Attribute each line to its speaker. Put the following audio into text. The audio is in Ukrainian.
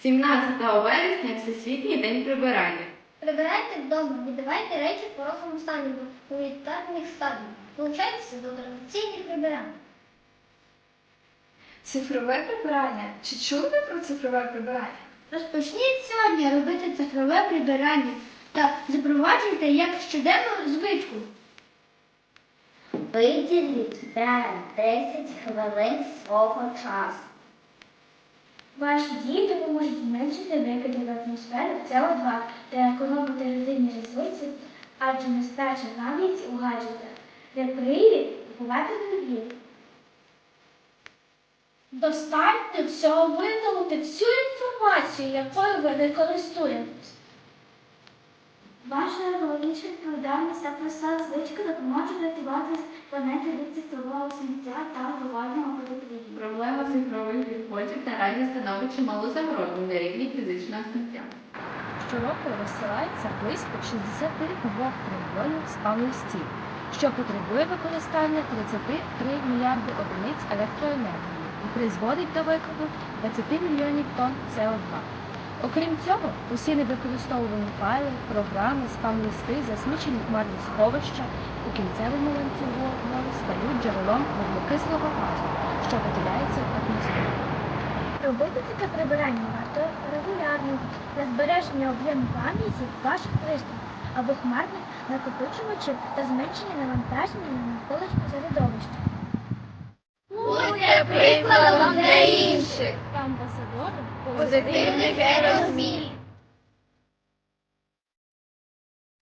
Speaker 1: 17 вересня – Всесвітній день прибирання.
Speaker 2: Прибирайте вдома, віддавайте речі в порожньому стані до гуманітарних стадій. Долучайтеся до традиційних прибирань.
Speaker 3: Цифрове прибирання. Чи чули ви про цифрове прибирання?
Speaker 2: Розпочніть сьогодні робити цифрове прибирання та запроваджуйте як щоденну звичку.
Speaker 4: Виділіть 5-10 хвилин свого часу.
Speaker 2: Ваші дії допоможуть зменшити викиди в атмосферу СО2 та економити родинні ресурси, адже нестача навіть у гаджетах. Для привід купувати нові. Достатньо всього видалити всю інформацію, якою ви не користуєтесь. Ваша екологічна відповідальність та проста звичка допоможе рятувати планету від цифрового сміття та глобального потепління.
Speaker 1: Проблема цифрових відходів наразі становить чималу загрозу для рівні фізичного сміття.
Speaker 5: Щороку розсилається близько 62 трильйонів спам-листів, що потребує використання 33 мільярди одиниць електроенергії і призводить до викиду 20 мільйонів тонн СО2. Окрім цього, усі невикористовувані файли, програми, спам-листи, засмічені хмарні сховища у кінцевому ланцюгу стають джерелом вуглекислого газу, що виділяється в атмосферу.
Speaker 2: Робити таке прибирання варто регулярно для збереження об'єму пам'яті ваших пристроїв або хмарних накопичувачів та зменшення навантаження на навколишнє середовище.
Speaker 4: Будьте прикладом для інших.
Speaker 2: Амбасадором
Speaker 4: Позитивних змін.